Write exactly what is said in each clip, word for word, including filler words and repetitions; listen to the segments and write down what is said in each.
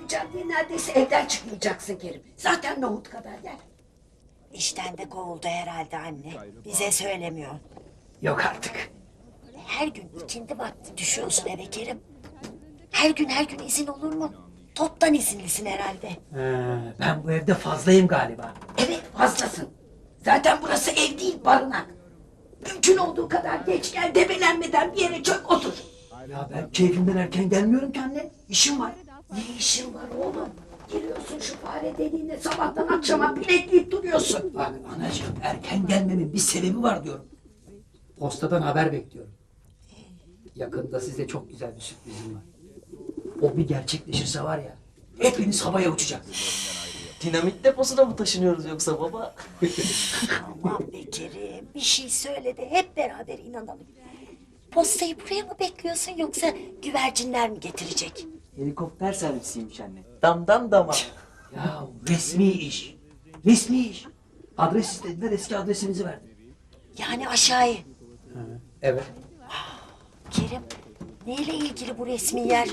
yapacağım diye neredeyse evden çıkmayacaksın Kerim. Zaten nohut kadar yer. İşten de kovuldu herhalde anne. Bize söylemiyor. Yok artık. Her gün ikindi vakti düşüyorsun eve Kerim. Her gün her gün izin olur mu? Toptan izinlisin herhalde. Ha, ben bu evde fazlayım galiba. Evet fazlasın. Zaten burası ev değil barınak. Mümkün olduğu kadar geç gel, debelenmeden bir yere çök otur. Ya ben keyfimden erken gelmiyorum ki anne. İşim var. Ne işin var oğlum? Giriyorsun şu fare deliğine, sabahtan akşama bilekleyip duruyorsun. Bak anacığım, erken gelmemin bir sebebi var diyorum. Postadan haber bekliyorum. Yakında size çok güzel bir sürprizim var. O bir gerçekleşirse var ya, hepiniz havaya uçacaksınız. Dinamit deposuna mı taşınıyoruz yoksa baba? Aman be Kerim, bir şey söyle de hep beraber inanalım. Postayı buraya mı bekliyorsun yoksa güvercinler mi getirecek? Helikopter servisiymiş anne. Damdan dama. Ya resmi iş. Resmi iş. Adres istediler, eski adresimizi verdim. Yani aşağıya. Evet. Kerim, neyle ilgili bu resmi yer?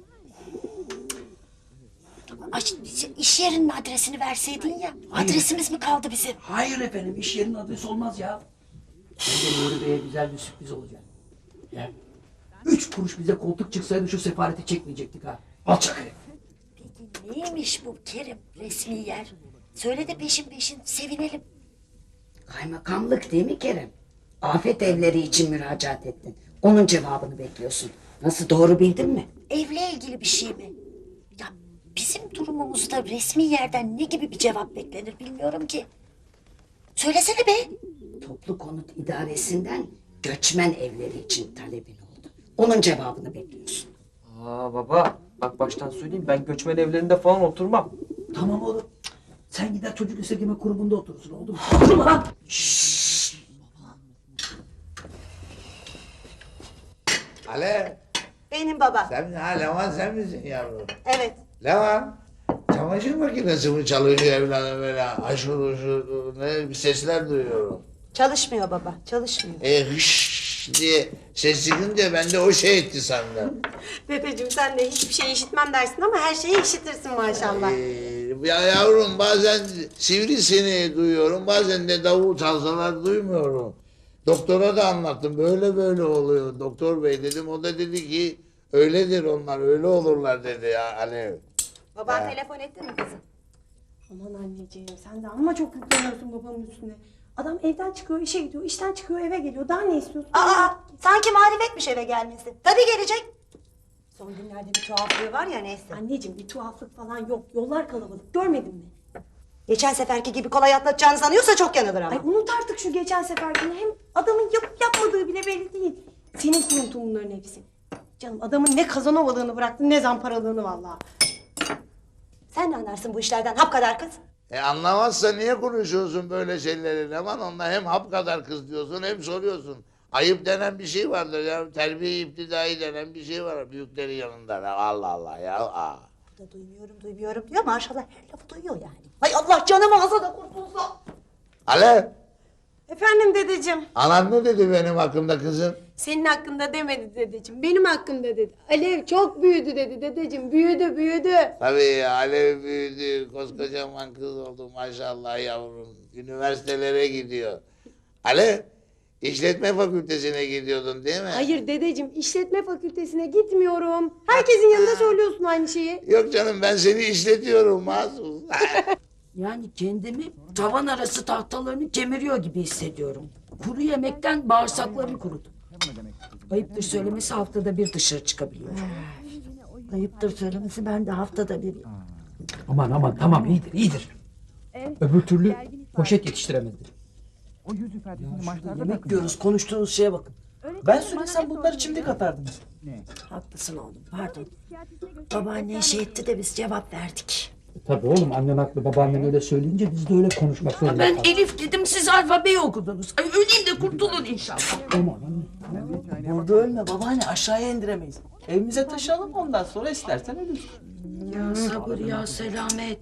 Ay, iş yerinin adresini verseydin ya. Hayır. Adresimiz mi kaldı bizim? Hayır efendim, iş yerinin adresi olmaz ya. Bence Nuri Bey'e güzel bir sürpriz olacak. Ya. Üç kuruş bize koltuk çıksaydı şu sefareti çekmeyecektik ha. Alçak herif. Peki neymiş bu Kerim resmi yer? Söyle de peşin peşin sevinelim. Kaymakamlık değil mi Kerem? Afet evleri için müracaat ettin. Onun cevabını bekliyorsun. Nasıl, doğru bildin mi? Evle ilgili bir şey mi? Ya bizim durumumuzda resmi yerden ne gibi bir cevap beklenir bilmiyorum ki. Söylesene be. Toplu konut idaresinden göçmen evleri için talebin oldu. Onun cevabını bekliyorsun. Aa baba, bak baştan söyleyeyim, ben göçmen evlerinde falan oturmam. Tamam oğlum. Sen gider çocuk esirgeme kurumunda oturursun, oldu mu? Oturma lan! Alev, Benim baba. sen ha Levan sen misin yavrum? Evet. Levan, çamaşır makinesi mi çalışıyor evladım böyle aşır uşur ne bir sesler duyuyorum. Çalışmıyor baba. Çalışmıyor. E hış diye ses çıkınca ben de o şey etti sandım. Dedeciğim sen de hiçbir şey işitmem dersin ama her şeyi işitirsin maşallah. Ee, ya yavrum bazen sivrisini duyuyorum bazen de davul çalsalar duymuyorum. Doktora da anlattım böyle böyle oluyor doktor bey dedim o da dedi ki öyledir onlar öyle olurlar dedi ya Alev. Baban Ya. telefon etti mi kızım? Aman anneciğim sen de amma çok yükleniyorsun babamın üstüne. Adam evden çıkıyor, işe gidiyor, işten çıkıyor, eve geliyor. Daha ne istiyorsun? Aa, sanki marifetmiş eve gelmesi. Tabii gelecek. Son günlerde bir tuhaflığı var ya neyse. Anneciğim bir tuhaflık falan yok. Yollar kalabalık. Görmedin mi? Geçen seferki gibi kolay atlatacağını sanıyorsa çok yanılır ama. Ay unut artık şu geçen seferkini. Hem adamın yapıp yapmadığı bile belli değil. Senin kuruntun bunların hepsi. Canım adamın ne kazanovalığını bıraktın ne zamparalığını vallahi. Sen ne anlarsın bu işlerden hap kadar kız? E anlamazsa niye konuşuyorsun böyle şeyleri Levan onunla hem hap kadar kız diyorsun hem soruyorsun. Ayıp denen bir şey vardır ya terbiye iptidai denen bir şey var büyüklerin yanında Allah Allah ya. Aa. Bu da duymuyorum duymuyorum diyor maşallah her lafı duyuyor yani. Hay Allah canım ağza da kurtulsa. Alev, Efendim dedeciğim. anan ne dedi benim hakkımda kızım? Senin hakkında demedi dedeciğim. Benim hakkımda dedi. Alev çok büyüdü dedi dedeciğim. Büyüdü büyüdü. Tabii ya, Alev büyüdü, koskocaman kız oldu maşallah yavrum. Üniversitelere gidiyor. Alev, işletme fakültesine gidiyordun değil mi? Hayır dedeciğim işletme fakültesine gitmiyorum. Herkesin yanında söylüyorsun aynı şeyi. Yok canım ben seni işletiyorum mahsus. Yani kendimi tavan arası tahtalarını kemiriyor gibi hissediyorum. Kuru yemekten bağırsaklarım kurudu. Ayıptır söylemesi haftada bir dışarı çıkabiliyorum. Ayıptır söylemesi, ben de haftada bir. Aman aman tamam iyidir iyidir. Öbür türlü poşet yetiştiremedim. O yüz ifadesini maçlarda Yemek takın. diyoruz, konuştuğunuz şeye bakın. Ben söylesem bunları çimdik atardınız. Haklısın oğlum, pardon. Babaannen şey etti de biz cevap verdik. Tabii oğlum annen haklı babaannen öyle söyleyince biz de öyle konuşmak zorunda Ben kaldık. Elif dedim, siz alfabeyi okudunuz. Ay öleyim de kurtulun inşallah. Aman anne. Burada ölme babaanne, aşağıya indiremeyiz. Evimize taşıyalım ondan sonra istersen ölürsün. Ya sabır ya selamet.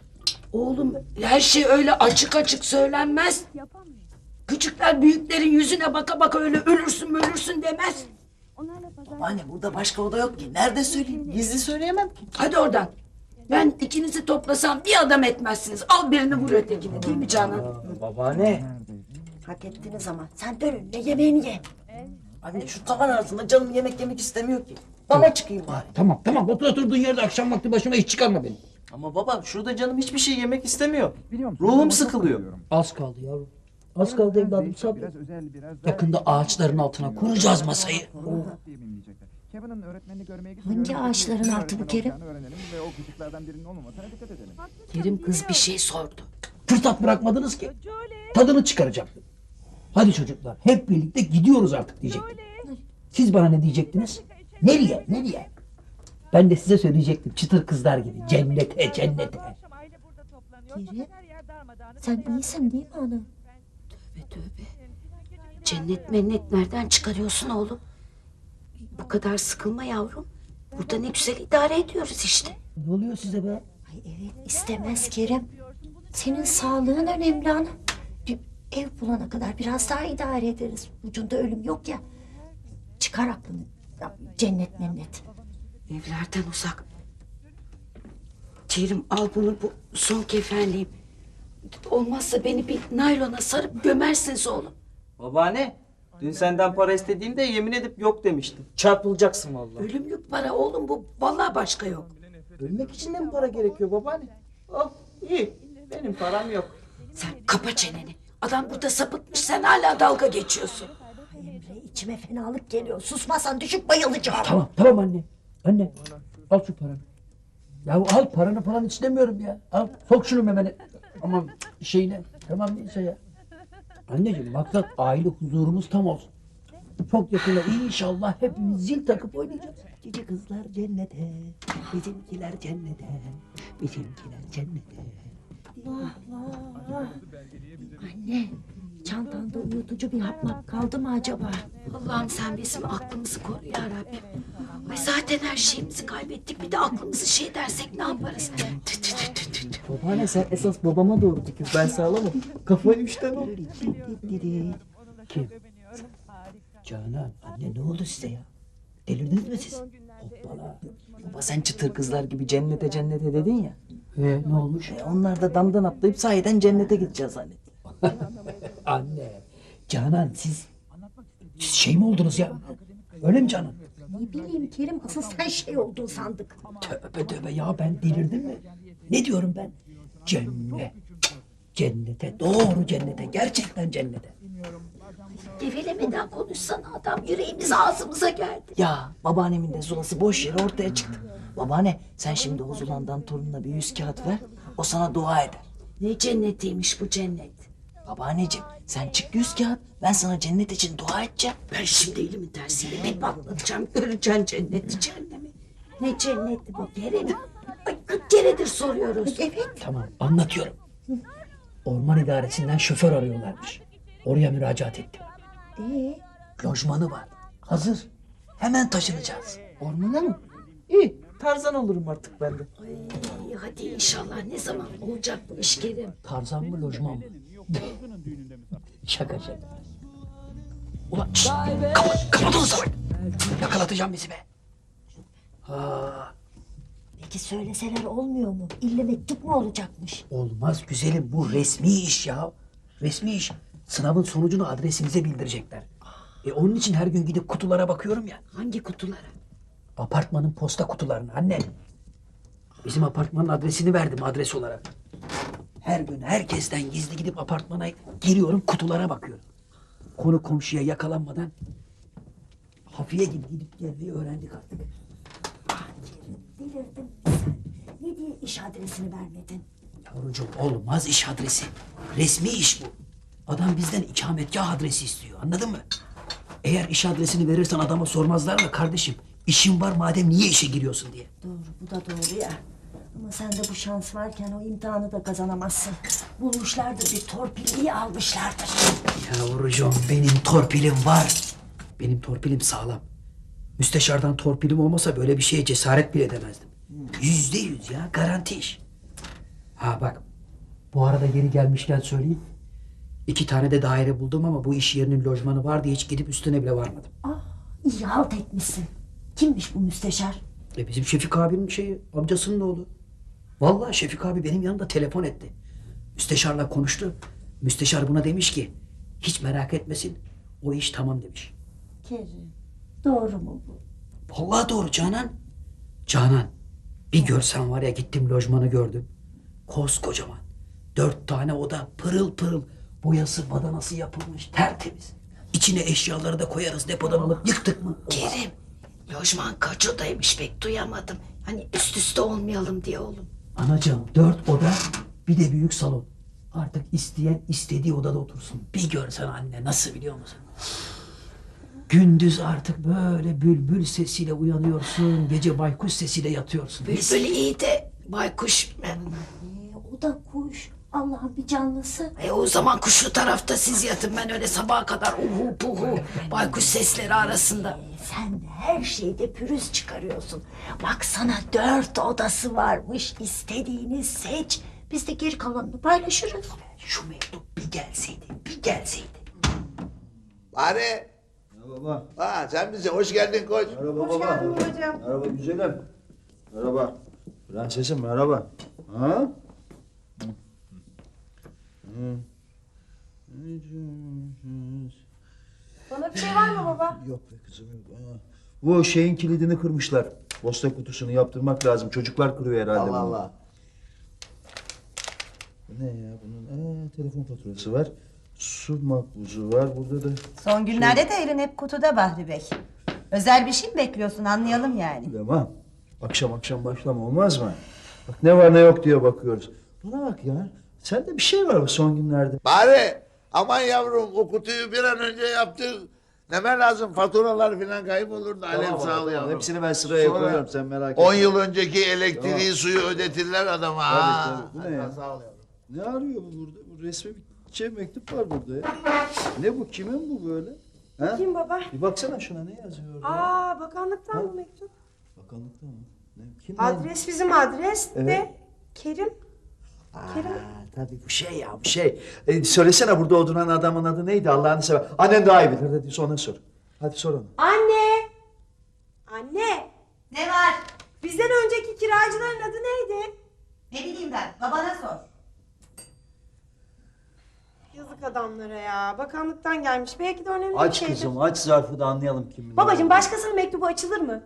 Oğlum her şey öyle açık açık söylenmez. Küçükler büyüklerin yüzüne baka baka öyle ölürsün ölürsün demez. Babaanne burada başka oda yok ki. Nerede söyleyeyim? Gizli söyleyemem ki. Hadi oradan. Ben ikinizi toplasam bir adam etmezsiniz. Al birini vur ötekine değil mi Canan? Babaanne. Hak ettiniz ama. Sen dön önüne yemeğini ye. Anne şu tavan arasında canım yemek yemek istemiyor ki. Bana çıkayım bari. Tamam tamam otur oturduğun yerde akşam vakti başıma iş çıkarma beni. Ama baba şurada canım hiçbir şey yemek istemiyor. Biliyor musun? Ruhum Ama çok sıkılıyor. bayılıyorum. Az kaldı yavrum. Az kaldı evladım Değişik, sabır. biraz özel, biraz daha- Yakında ağaçların altına kuracağız masayı. diye bilinecekler. Kevin'in öğretmenini görmeye Hangi gidiyorum. ağaçların altı bu Kerim? Öğrenelim ve o küçüklerden birinin olmamasına dikkat edelim. Kerim kız bir şey sordu. Fırsat bırakmadınız ki. Tadını çıkaracaktım. Hadi çocuklar hep birlikte gidiyoruz artık diyecektim. Siz bana ne diyecektiniz? Nereye? Nereye? Ben de size söyleyecektim çıtır kızlar gibi. Cennete, cennete. Kerim, sen iyisin değil mi ana? Tövbe tövbe. Cennet mennet nereden çıkarıyorsun oğlum? Bu kadar sıkılma yavrum. Burada ne güzel idare ediyoruz işte. Ne oluyor size be? Ay evet istemez Kerim. Senin sağlığın önemli ana. Bir ev bulana kadar biraz daha idare ederiz. Ucunda ölüm yok ya. Çıkar aklını. Ya, cennet mennet. Evlerden uzak. Kerim al bunu bu son kefenliğim. Olmazsa beni bir naylona sarıp gömersiniz oğlum. Babaanne. Dün senden para istediğimde yemin edip yok demiştin. Çarpılacaksın vallahi. Ölümlük para oğlum bu. Vallahi başka yok. Ölmek için de mi para gerekiyor babaanne? Al iyi. Benim param yok. Sen kapa çeneni. Adam burada sapıtmış sen hala dalga geçiyorsun. Ay Emre içime fenalık geliyor. Susmazsan düşüp bayılacağım. Tamam tamam anne. Anne al şu paranı. Ya al paranı falan istemiyorum ya. Al sok şunu memene. Aman şeyine. Tamam neyse ya. Anneciğim maksat aile huzurumuz tam olsun. Çok yakında inşallah hepimiz zil takıp oynayacağız. Cici kızlar cennete, bizimkiler cennete, bizimkiler cennete. Vah vah. Anne çantanda uyutucu bir hap kaldı mı acaba? Allah'ım sen bizim aklımızı koru ya Rabbim. Ay zaten her şeyimizi kaybettik. Bir de aklımızı şey dersek ne yaparız? Tü tü tü tü tü tü. Babaanne sen esas babama doğru dikil. Ben sağlamam. Kafayı üçten ol. Kim? Canan anne ne oldu size ya? Delirdiniz mi siz? Hoppala. Baba sen çıtır kızlar gibi cennete cennete dedin ya. Ee, ne olmuş? E, onlar da damdan atlayıp sahiden cennete gideceğiz zannet. Anne, Canan siz, siz şey mi oldunuz ya? Öyle mi Canan? Ne bileyim Kerim asıl sen şey oldun sandık. Tövbe tövbe ya ben delirdim mi? Ne diyorum ben? Cennet. Cennete, doğru cennete, gerçekten cennete. Gevelemeden konuşsana adam. Yüreğimiz ağzımıza geldi. Ya babaannemin de zulası boş yere ortaya çıktı. Babaanne sen şimdi o zulandan torununa bir yüz kağıt ver. O sana dua eder. Ne cennetiymiş bu cennet. Babaanneciğim sen çık yüz kağıt. Ben sana cennet için dua edeceğim. Ben şimdi elimin tersiyle bir patlatacağım. Göreceksin cenneti cehennemi. Ne cenneti bu Kerem? Ay kırk keredir soruyoruz. Evet. Tamam anlatıyorum. Orman idaresinden şoför arıyorlarmış. Oraya müracaat ettim. Ee, Lojmanı var. Hazır. Hemen taşınacağız. Ormana mı? İyi Tarzan olurum artık ben de. Ay, hadi inşallah ne zaman olacak bu iş Kerem? Tarzan mı lojman mı? Şaka şaka. Ulan şşt, kapat, kapat onu salak. Yakalatacağım bizi be. Ha, peki söyleseler olmuyor mu? İlle mektup mu olacakmış? olmaz güzelim bu resmi iş ya. Resmi iş. Sınavın sonucunu adresinize bildirecekler. E onun için her gün gidip kutulara bakıyorum ya. Hangi kutulara? Apartmanın posta kutularına anne. Bizim apartmanın adresini verdim adres olarak. Her gün herkesten gizli gidip apartmana giriyorum kutulara bakıyorum. Konu komşuya yakalanmadan hafiye gibi gidip gelmeyi öğrendik artık. Ah Kerim delirdin mi sen? Ne diye iş adresini vermedin? Yavrucuğum olmaz iş adresi. Resmi iş bu. Adam bizden ikametgah adresi istiyor anladın mı? Eğer iş adresini verirsen adama sormazlar mı kardeşim? İşin var madem niye işe giriyorsun diye. Doğru bu da doğru ya. Ama sende bu şans varken o imtihanı da kazanamazsın. Bulmuşlardır bir torpilliyi almışlardır. Yavrucuğum benim torpilim var. Benim torpilim sağlam. Müsteşardan torpilim olmasa böyle bir şeye cesaret bile edemezdim. Yüzde yüz ya garanti iş. Ha bak bu arada geri gelmişken söyleyeyim. İki tane de daire buldum ama bu iş yerinin lojmanı var diye hiç gidip üstüne bile varmadım. Ah iyi halt etmişsin. Kimmiş bu müsteşar? E bizim Şefik abinin şeyi amcasının oğlu. Vallahi Şefik abi benim yanımda telefon etti. Müsteşarla konuştu. Müsteşar buna demiş ki hiç merak etmesin. O iş tamam demiş. Kerim, doğru mu bu? Vallahi doğru Canan. Canan, bir görsen var ya, gittim lojmanı gördüm. Koskocaman. Dört tane oda, pırıl pırıl. Boyası badanası yapılmış, tertemiz. İçine eşyaları da koyarız, depodan alıp yıktık mı? Kerim, lojman kaç odaymış pek duyamadım. Hani üst üste olmayalım diye oğlum. Anacığım, dört oda, bir de büyük salon. Artık isteyen istediği odada otursun. Bir görsen anne, nasıl biliyor musun? Gündüz artık böyle bülbül sesiyle uyanıyorsun, gece baykuş sesiyle yatıyorsun. Bülbül iyi de baykuş... Ee, o da kuş. Allah'ın bir canlısı. E o zaman kuşlu tarafta siz yatın, ben öyle sabaha kadar uhu puhu baykuş sesleri arasında. Ee, sen de her şeyde pürüz çıkarıyorsun. Bak sana dört odası varmış. İstediğini seç. Biz de geri kalanını paylaşırız. Şu mektup bir gelseydi, bir gelseydi. Bari. Merhaba. Ha, sen bize hoş geldin koç. Merhaba Hoş baba. geldin babacığım. Merhaba güzelim. Merhaba. Prensesim merhaba. Ha? Bana bir şey var mı baba? Yok be kızım yok. Ha. Bu şeyin kilidini kırmışlar. Posta kutusunu yaptırmak lazım. Çocuklar kırıyor herhalde Allah bunu. Allah. Bu ne ya bunun? Aa, telefon faturası var. Su makbuzu var. Burada da Son günlerde de elin hep kutuda Bahri Bey. Özel bir şey mi bekliyorsun anlayalım yani. Tamam. Akşam akşam başlama olmaz mı? Bak ne var ne yok diye bakıyoruz. Bana bak ya. Sende bir şey var bu son günlerde. Bari aman yavrum o kutuyu bir an önce yaptır. Neme lazım, faturalar falan kaybolur da alev sağ ol yavrum. Hepsini ben sıraya Sonra koyuyorum sen merak etme. On yıl önceki elektriği Tamam. suyu ödetirler adama. Tabii, ha. tabii. Bu ne ya? Sağ ol yavrum. Ne arıyor bu burada? Bu resmi bir şey mektup var burada ya. Ne bu? Kimin bu böyle? Ha? Kim baba? Bir baksana şuna ne yazıyor orada? Aa bakanlıktan bu mektup. Bakanlıkta mı? Ne? Kim lan? Adres bizim adres Evet. de Kerim. Kerim. Aa, tabii bu şey ya bu şey. E, söylesene burada oturan adamın adı neydi Allah'ını sever. Annen daha iyi bilir. Hadi ona sor. Hadi sor ona. Anne. Anne. Ne var? Bizden önceki kiracıların adı neydi? Ne bileyim ben babana sor. Yazık adamlara ya. Bakanlıktan gelmiş. Belki de önemli bir Aç şeydir. kızım aç zarfı da anlayalım kimin. Babacığım başkasının mektubu açılır mı?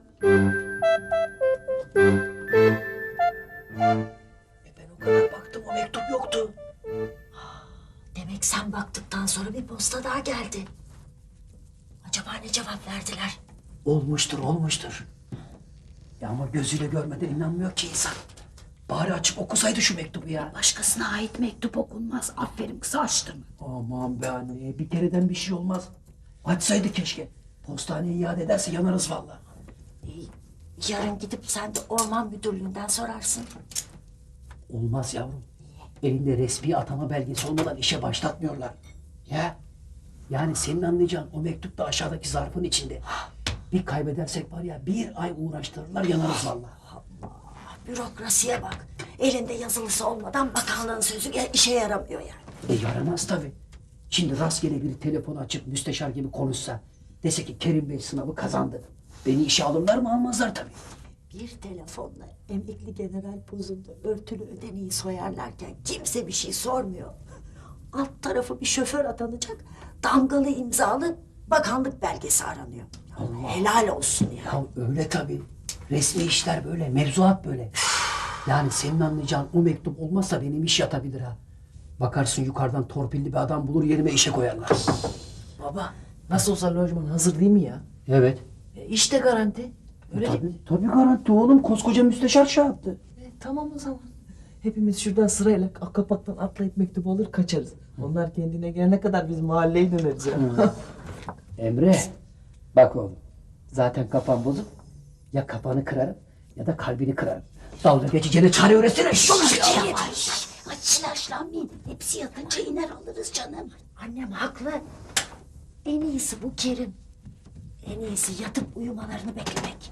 E ben o kadar baktım, o mektup yoktu. Demek sen baktıktan sonra bir posta daha geldi. Acaba ne cevap verdiler? Olmuştur, olmuştur. Ya ama gözüyle görmeden inanmıyor ki insan. Bari açıp okusaydı şu mektubu ya. Başkasına ait mektup okunmaz. Aferin kız, açtırma. Aman be anne, bir kereden bir şey olmaz. Açsaydı keşke. Postaneye iade ederse yanarız vallahi. Yarın gidip sen de orman müdürlüğünden sorarsın. Olmaz yavrum. Elinde resmi atama belgesi olmadan işe başlatmıyorlar. Ya. Yani senin anlayacağın o mektup da aşağıdaki zarfın içinde. Bir kaybedersek var ya, bir ay uğraştırırlar, yanarız vallahi. Bürokrasiye bak. Elinde yazılısı olmadan bakanlığın sözü ya- işe yaramıyor yani. E yaramaz tabii. Şimdi rastgele biri telefonu açıp müsteşar gibi konuşsa, dese ki Kerim Bey sınavı kazandı. Beni işe alırlar mı? Almazlar tabii. Bir telefonla emekli general pozunda örtülü ödeneği soyarlarken kimse bir şey sormuyor. Alt tarafı bir şoför atanacak, damgalı imzalı bakanlık belgesi aranıyor. Allah. Helal olsun ya. Ya öyle tabii. Resmi işler böyle, mevzuat böyle. Yani senin anlayacağın o mektup olmazsa benim iş yatabilir ha. Bakarsın yukarıdan torpilli bir adam bulur, yerime işe koyarlar. Baba nasıl olsa lojman hazır değil mi ya? Evet. E, işte garanti. Öyle değil mi? Tabii, tabii garanti oğlum. Koskoca müsteşar şey yaptı. E, tamam o zaman. Hepimiz şuradan sırayla kapaktan atlayıp mektubu alır kaçarız. Onlar kendine gelene kadar biz mahalleye döneriz ya. Emre, bak oğlum. Zaten kafan bozuk. Ya kafanı kırarım ya da kalbini kırarım. Dalga geçeceğine çare öğretsene. Çok Ay, ay silahlanmayın. Hepsi yatınca iner alırız canım. Annem haklı. En iyisi bu Kerim. En iyisi yatıp uyumalarını beklemek.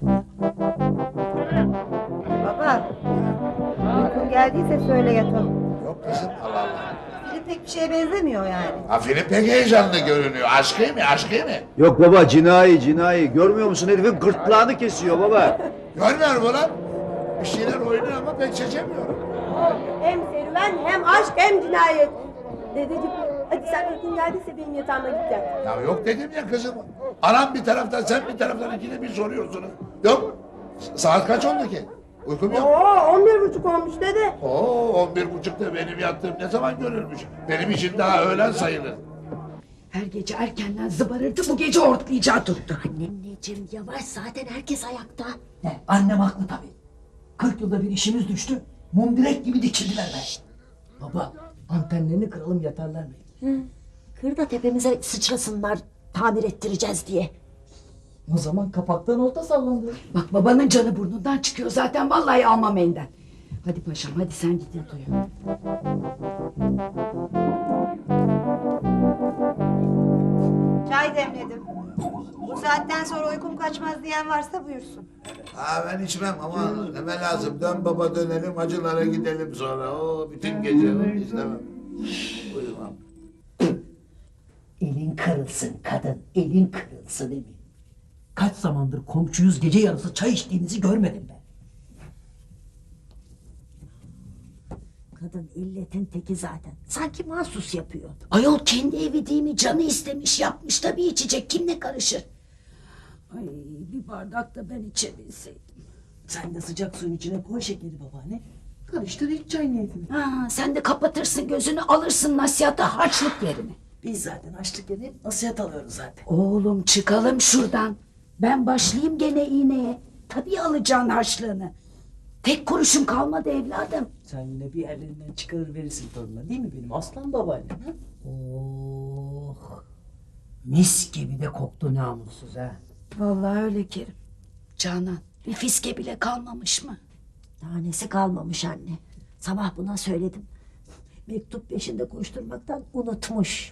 Baba. Uykun geldiyse söyle yatalım. Yok kızım, Allah Allah. Film pek bir şeye benzemiyor yani. Ha, film pek heyecanlı görünüyor. Aşkı mı, aşkı mı? Yok baba cinayi cinayi. Görmüyor musun herifin gırtlağını kesiyor baba. Görmüyorum ulan. Bir şeyler oynuyor ama ben seçemiyorum. Hem serüven hem aşk hem cinayet. Dedeciğim hadi sen uykun geldiyse benim yatağıma gideceksin. Ya yok dedim ya kızım. Anam bir taraftan sen bir taraftan ikide bir soruyorsunuz. Yok. Saat kaç oldu ki? Uykum yok. Oo on bir buçuk olmuş dede. Oo on bir buçukta benim yattığım ne zaman görülmüş? Benim için daha öğlen sayılır. Her gece erkenden zıbarırdı, bu gece ortlayacağı tuttu. Anneciğim yavaş, zaten herkes ayakta. Ne, annem haklı tabii. Kırk yılda bir işimiz düştü. Mum direk gibi dikildiler be. Baba antenlerini kıralım yatarlar belki. Kır da tepemize sıçrasınlar, tamir ettireceğiz diye. O zaman kapaktan olta sallandı. Bak babanın canı burnundan çıkıyor zaten, vallahi almam elinden. Hadi paşam, hadi sen git yat uyu. Çay demledim. Bu saatten sonra uykum kaçmaz diyen varsa buyursun. Ha ben içmem ama neme lazım. Dön baba dönelim acılara gidelim sonra. O bütün gece istemem. Uyumam. Elin kırılsın kadın, elin kırılsın emin. Kaç zamandır komşuyuz, gece yarısı çay içtiğinizi görmedim ben. Kadın illetin teki zaten. Sanki mahsus yapıyor. Ayol kendi evi değil mi? Canı istemiş yapmış tabii içecek. Kim ne karışır? Ay bir bardak da ben içebilseydim. Sen de sıcak suyun içine koy şekeri babaanne. Karıştır iç çay niyetini. Ha, sen de kapatırsın gözünü alırsın nasihata harçlık yerine. Biz zaten açlık yerine nasihat alıyoruz zaten. Oğlum çıkalım şuradan. Ben başlayayım gene iğneye. Tabii alacaksın harçlığını. Tek kuruşun kalmadı evladım. Sen yine bir yerlerinden çıkarır verirsin torununa değil mi benim aslan babaannem? Ha? Oh, mis gibi de koktu namussuz ha. Vallahi öyle Kerim. Canan bir fiske bile kalmamış mı? Tanesi kalmamış anne. Sabah buna söyledim. Mektup peşinde koşturmaktan unutmuş.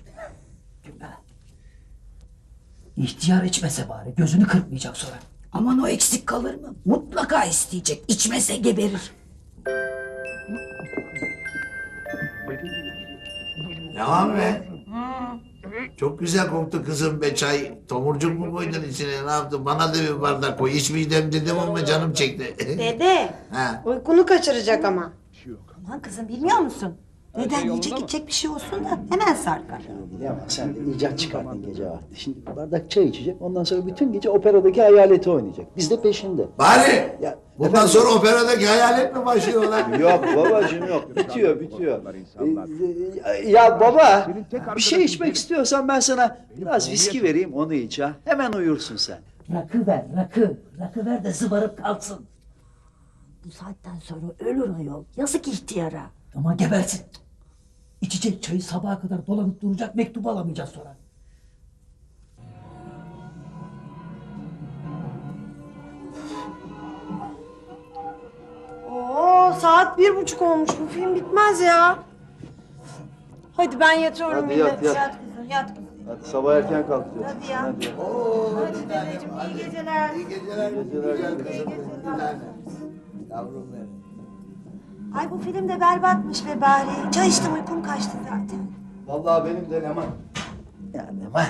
İhtiyar içmese bari, gözünü kırpmayacak sonra. Aman o eksik kalır mı? Mutlaka isteyecek. İçmese geberir. Ne var be? Çok güzel koktu kızım be çay. Tomurcuk mu koydun içine ne yaptın? Bana da bir bardak koy. İçmeyeceğim dedim ama canım çekti. Dede Ha. uykunu kaçıracak ama. Aman kızım bilmiyor musun? Neden yiyecek içecek bir şey olsun da hemen sarkar. Ama sen de icat çıkardın gece vakti. Şimdi bardak çay içecek, ondan sonra bütün gece operadaki hayaleti oynayacak. Biz de peşinde. Bari. Ya, Bundan efendim? sonra operadaki hayalet mi başlıyorlar? Yok babacığım yok. Bitiyor, bitiyor. Ee, ya baba, bir şey içmek istiyorsan ben sana biraz viski vereyim, onu iç ha. Hemen uyursun sen. Rakı ver, rakı. Rakı ver de zıbarıp kalsın. Bu saatten sonra ölür ayol. Yazık ihtiyara. Ama gebersin. İçecek çayı sabaha kadar dolanıp duracak, mektubu alamayacağız sonra. Oo saat bir buçuk olmuş, bu film bitmez ya. Hadi ben yatıyorum Hadi yine. yat, yat. Yat kızım yat kızım. Hadi sabah erken kalkacağız. Hadi ya. Oo, Hadi bir tanem, dedeciğim, iyi hadi. geceler. İyi geceler. İyi geceler. Güzel İyi kızım. geceler. Bir tanem. Yavrum benim. Ay bu film de berbatmış be bari. Çay içtim uykum kaçtı zaten. Vallahi benim de Leman. Ya Leman.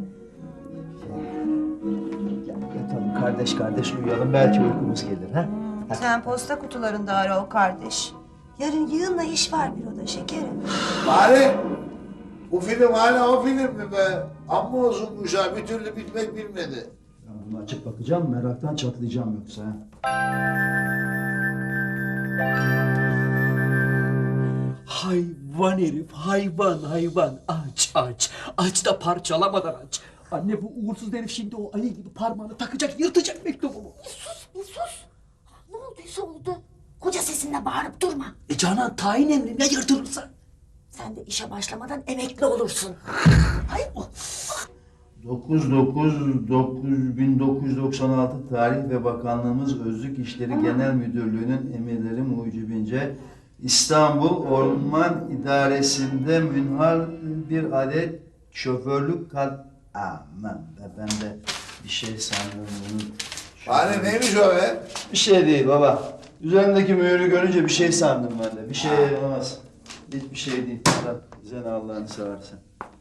Ya yatalım kardeş kardeş uyuyalım, belki uykumuz gelir ha. Sen posta kutularında ara o kardeş. Yarın yığınla iş var büroda şekerim. Bari. Bu film hala o film mi be? Amma uzunmuş ha. Bir türlü bitmek bilmedi. Ben bunu açıp bakacağım, meraktan çatlayacağım yoksa ha. Hayvan herif, hayvan hayvan. Aç aç. Aç da parçalamadan aç. Anne bu uğursuz herif şimdi o Ali gibi parmağını takacak, yırtacak mektubumu. Bir sus. Ne olduysa oldu. Koca sesinle bağırıp durma. E Canan tayin emrine yırtılırsa. Sen de işe başlamadan emekli olursun. Ay o. dokuz dokuz dokuz bin dokuz yüz doksan altı Tarih ve Bakanlığımız Özlük İşleri Genel Müdürlüğü'nün emirleri mucibince İstanbul Orman İdaresi'nde münhal bir adet şoförlük kad... Aman be, ben de bir şey sandım bunun. Bari neymiş o be? Bir şey değil baba. Üzerindeki mühürü görünce bir şey sandım ben de. Bir şey olmaz. Hiçbir şey değil. Sen, sen Allah'ını seversen.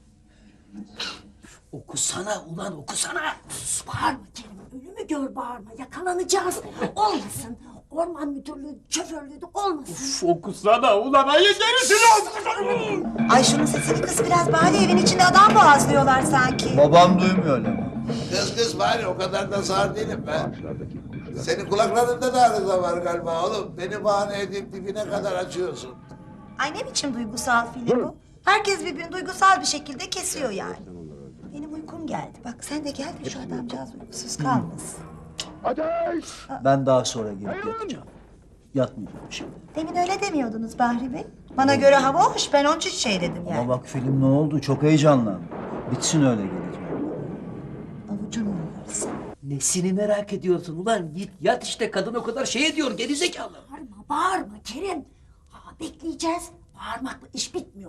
Okusana ulan okusana. Sus, bağırma Kerim. Ölümü gör bağırma. Yakalanacağız. Olmasın. orman müdürlüğü, şoförlüğü de olmasın. Fokusana ulan ayı gerisini. Ay şunun sesini kız biraz bari evin içinde adam boğazlıyorlar sanki. Babam duymuyor lan. Kız kız bari o kadar da sağır değilim ben. Senin kulaklarında da arıza var galiba oğlum. Beni bahane edip dibine kadar açıyorsun. Ay ne biçim duygusal film bu? Herkes birbirini duygusal bir şekilde kesiyor yani. Benim uykum geldi. Bak sen de gel de şu adamcağız uykusuz kalmasın. Ben daha sonra gelip yatacağım. Yatmayacağım şimdi. Demin öyle demiyordunuz Bahri Bey. Bana göre hava hoş, ben onun için şey dedim yani. Ama bak film ne oldu? Çok heyecanlandım. Bitsin öyle geleceğim. Avucunu yalarız. Nesini merak ediyorsun ulan? Git yat işte, kadın o kadar şey ediyor gerizekalı. Bağırma, bağırma Kerim. Aa, bekleyeceğiz. Bağırmakla iş bitmiyor.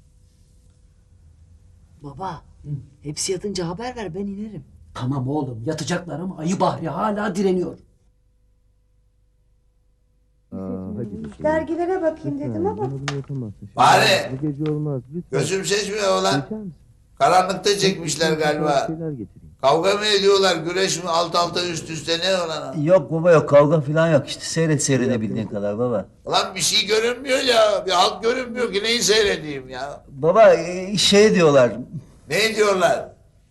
Baba, hepsi yatınca haber ver, ben inerim. Tamam oğlum, yatacaklar ama ayı Bahri hala direniyor. Dergilere bakayım dedim ama. Bari gözüm seçmiyor ulan. Karanlıkta çekmişler galiba. Kavga mı ediyorlar, güreş mi, alt alta üst üste ne olan? Yok baba yok, kavga falan yok işte. Seyret seyredebildiğin kadar baba. Ulan bir şey görünmüyor ya, bir halt görünmüyor ki neyi seyredeyim ya? Baba e, şey diyorlar. Ne diyorlar?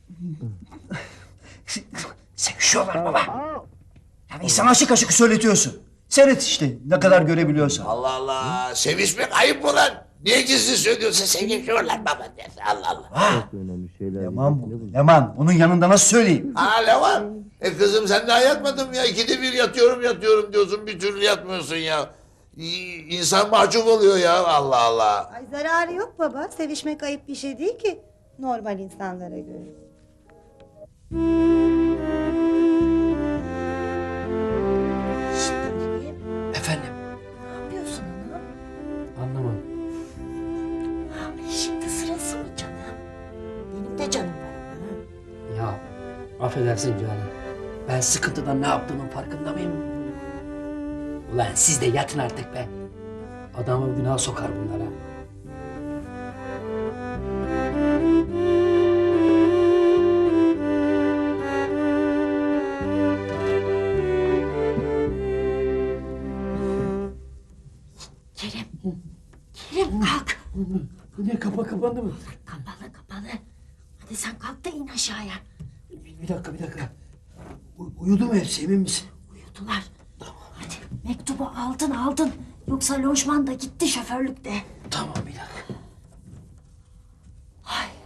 Sevişiyorlar baba. Yani insan aşık aşık söyletiyorsun. Seyret işte ne kadar görebiliyorsan. Allah Allah, sevişmek ayıp mı lan? Niye gizli söylüyorsun, sevişiyorlar baba dersin, Allah Allah. Leman bu. Leman. Onun yanında nasıl söyleyeyim? Ha Levan, e kızım sen daha yatmadın mı ya? İkide bir yatıyorum yatıyorum diyorsun, bir türlü yatmıyorsun ya. İ- İnsan mahcup oluyor ya, Allah Allah. Ay zararı yok baba. Sevişmek ayıp bir şey değil ki. Normal insanlara göre. Efendim? Ne yapıyorsun ana? Anlamam. Ay, şimdi sırası mı canım? Benim de canım var ama. Ya affedersin canım. Ben sıkıntıdan ne yaptığımın farkında mıyım? Ulan siz de yatın artık be. Adamı günah sokar bunlara. Kerim. Kerim kalk. Ne kapa kapandı mı? Kapalı kapalı. Hadi sen kalk da in aşağıya. Bir, bir dakika bir dakika. U- uyudu mu hepsi, emin misin? Uyudular. Tamam. Hadi mektubu aldın aldın. Yoksa lojman da gitti, şoförlük de. Tamam bir dakika. Ay.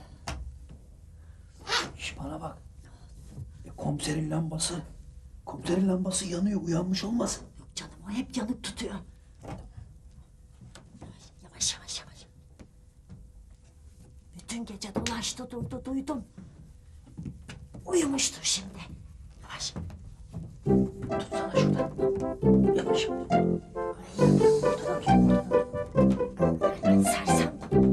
Şş, bana bak. E, komiserin lambası. Komiserin lambası yanıyor, uyanmış olmasın? Yok canım, o hep yanık tutuyor. Yavaş yavaş yavaş. Bütün gece dolaştı durdu, duydum. Uyumuştur şimdi. Yavaş. Tutsana şuradan. Yavaş. Ay, sersem.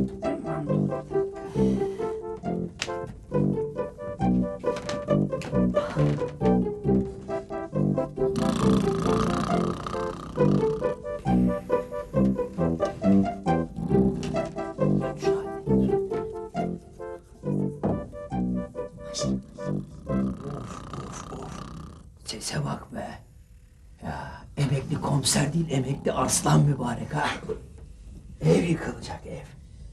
Sese bak be. Ya emekli komiser değil, emekli arslan mübarek ha. Ev yıkılacak ev.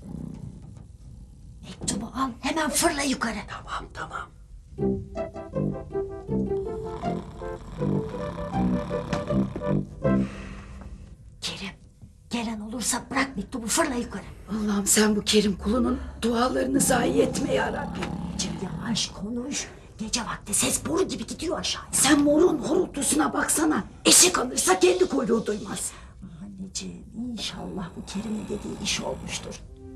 Mektubu al, hemen fırla yukarı. Tamam tamam. Kerim, gelen olursa bırak mektubu, fırla yukarı. Allah'ım sen bu Kerim kulunun dualarını zayi etme ya Rabbim. Cem yavaş konuş. Gece vakti ses boru gibi gidiyor aşağıya. Sen morun horultusuna baksana. Eşek alırsa kendi kuyruğu duymaz. Anneciğim, inşallah bu Kerim'in dediği iş olmuştur.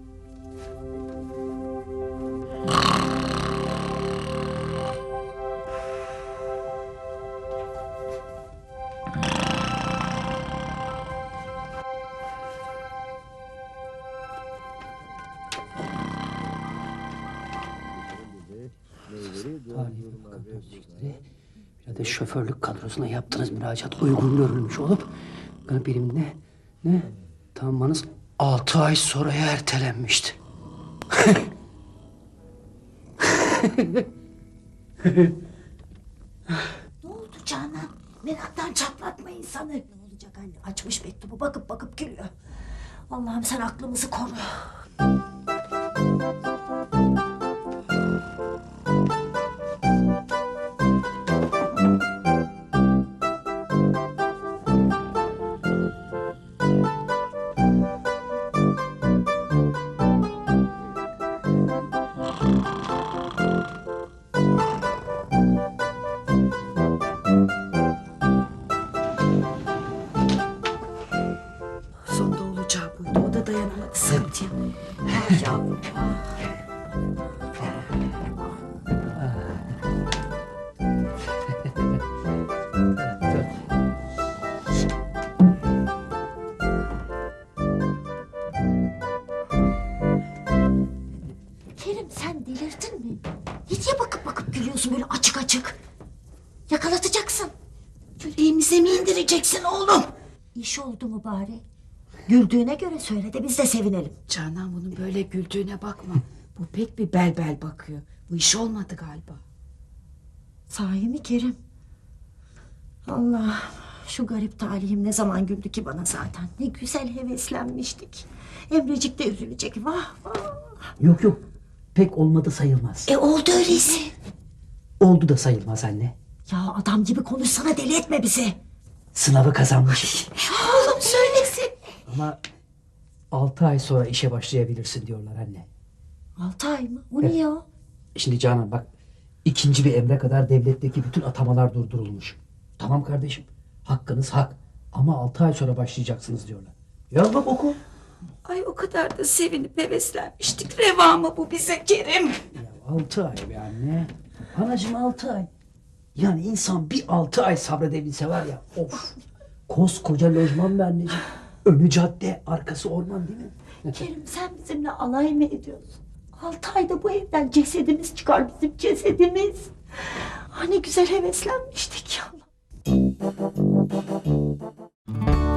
Bir de şoförlük kadrosuna yaptığınız müracaat uygun görülmüş olup benim ne ne tamamınız altı ay sonraya ertelenmişti. Ne oldu Canan? Meraktan çatlatma insanı. Ne olacak? bak anne açmış mektubu bakıp bakıp gülüyor. Allah'ım sen aklımızı koru. Sonunda olacağı buydu. O da dayanamadı sıkıntıya. Ah yavrum. Kerim sen delirdin mi? Ne diye bakıp bakıp gülüyorsun böyle açık açık? Yakalatacaksın. Yüreğimize mi indireceksin oğlum? İş oldu mu bari? Güldüğüne göre söyle de biz de sevinelim. Canan bunun böyle güldüğüne bakma. Bu pek bir bel bel bakıyor. Bu iş olmadı galiba. Sahi mi Kerim? Allah, şu garip talihim ne zaman güldü ki bana zaten. Ne güzel heveslenmiştik. Emrecik de üzülecek. Vah vah. Yok yok. Pek olmadı sayılmaz. E oldu öyleyse. Oldu da sayılmaz anne. Ya adam gibi konuşsana, deli etme bizi. Sınavı kazanmış. Oğlum söylesin. Ama altı ay sonra işe başlayabilirsin diyorlar anne. Altı ay mı? O niye o? Şimdi Canan bak, ikinci bir emre kadar devletteki bütün atamalar durdurulmuş. Tamam kardeşim, hakkınız hak. Ama altı ay sonra başlayacaksınız diyorlar. Ya bak oku. Ay o kadar da sevinip heveslenmiştik. Reva mı bu bize Kerim? Ya altı ay be anne. Anacığım altı ay. Yani insan bir altı ay sabredebilse var ya, of. Koskoca lojman be anneciğim. Önü cadde, arkası orman değil mi? Kerim sen bizimle alay mı ediyorsun? Altı ayda bu evden cesedimiz çıkar, bizim cesedimiz. Ah ne güzel heveslenmiştik ya.